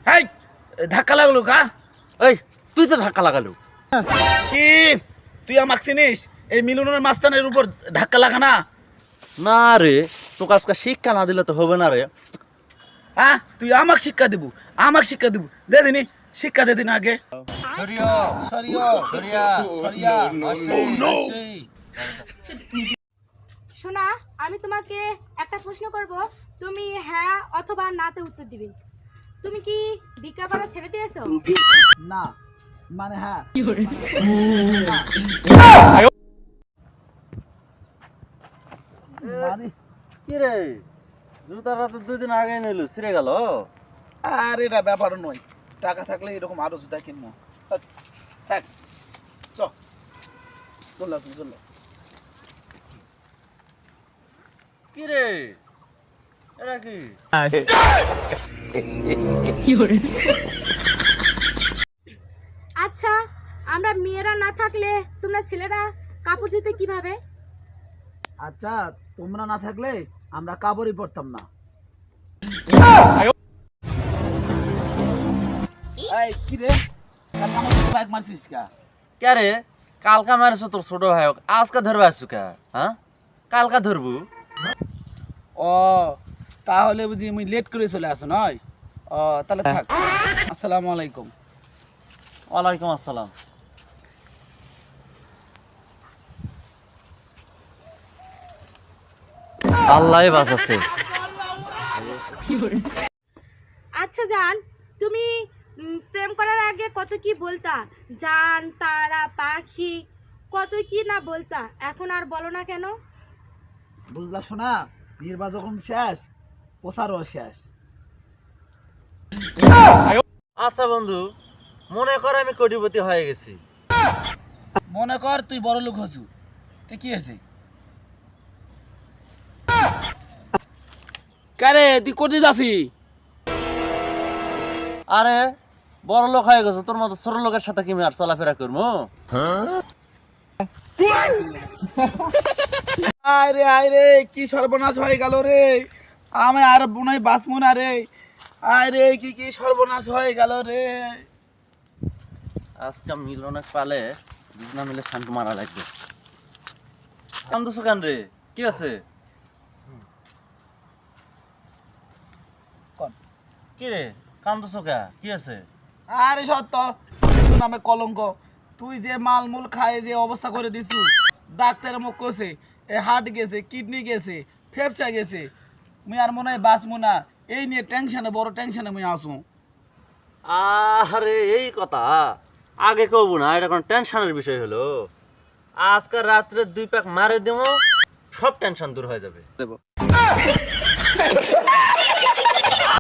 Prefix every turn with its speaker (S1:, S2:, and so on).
S1: High ধাক্কা লাগলো কা?
S2: এই তুই তো ধাক্কা লাগালো।
S1: কি তুই আমাকে চিনিস? এই মিলনের মাস্তানের উপর ধাক্কা লাগা না?
S2: না রে, তোকে আজকে শিক্ষা না দিলে তো হবে না রে।
S1: হ্যাঁ তুই আমাকে শিক্ষা দিব, আমাকে শিক্ষা দিব। দে দিনি শিক্ষা দে দিন আগে।
S2: সরিয়া
S1: সরিয়া
S2: সরিয়া
S1: সরিয়া
S3: শোনা, আমি তোমাকে একটা প্রশ্ন করব, তুমি হ্যাঁ অথবা নাতে উত্তর দিবে। তুমি কি ভিক্ষা করা ছেড়ে দিয়েছো?
S1: না মানে হ্যাঁ।
S2: কি রে, জুতাটা তো 2 দিন আগে নিল, ছিঁড়ে গেল।
S1: আর এটা ব্যাপার নয়, টাকা থাকলে এরকম আরো জুতা কিনবো। থাক চল তুমি চল।
S2: কি রে এটা কি?
S3: আচ্ছা, আমরা মেয়েরা না থাকলে তোমরা ছেলেরা কাপড় ধুতে কিভাবে?
S1: আচ্ছা তোমরা না থাকলে আমরা কাপড়ই পরতাম না। এই কি রে, বাইক মারছিস কা?
S2: কে রে, কালকা মারছো তোর ছোট ভাই, আজকে ধরবে আসছো কে? হ্যাঁ, কালকা ধরবো।
S1: ও তাহলে বুঝি আমি লেট করে চলে আসো নয়? ও তাহলে থাক। আসসালামু আলাইকুম।
S2: ওয়ালাইকুম আসসালাম। আল্লাহ বাঁচাচ্ছে।
S3: আচ্ছা জান, তুমি প্রেম করার আগে কত কি বলতা, জান তারা পাখি, কত কি না বলতা, এখন আর বলো না কেন?
S1: বুঝলা শোনা, নির্বাচন যখন শেষ প্রচারও শেষ।
S2: আচ্ছা বন্ধু, মনে কর আমি কোটিপতি হয়ে গেছি।
S1: মনে কর তুই বড় লোক হসু, তুই কি হয়েছে? কারে তুই কোটি যাসি?
S2: আরে বড় লোক হয়ে গেছে, তোর মতো ছোট লোকের সাথে কি আমি আর চলাফেরা করবো?
S1: আরে আরে কি সর্বনাশ হয়ে গেল রে, আমি আর বোনাই বাঁচবো না রে। আরে কি কি সর্বনাশ হয়ে গেল রে।
S2: আজকে মিলনে পালে দুজনা মিলে শান্ত মারা লাগবে। কান্দুস কেন রে, কি আছে?
S1: কোন?
S2: কি রে কান্দুস কে, কি আছে?
S1: আরে সত্য নামে কলঙ্ক, তুই যে মালমূল খায় যে অবস্থা করে দিছু, ডাক্তারের মুখ কষে এ হার্ট গেছে, কিডনি গেছে, ফেফচা গেছে, মুই আর মনে হয় বাঁচবো না। এই নিয়ে টেনশনে, বড় টেনশনে মুই আসু।
S2: আরে এই কথা আগে কব না, এটা কোন টেনশনের বিষয় হলো? আজকে রাত্রে 2 প্যাক মারে দেবো, সব টেনশন দূর হয়ে যাবে।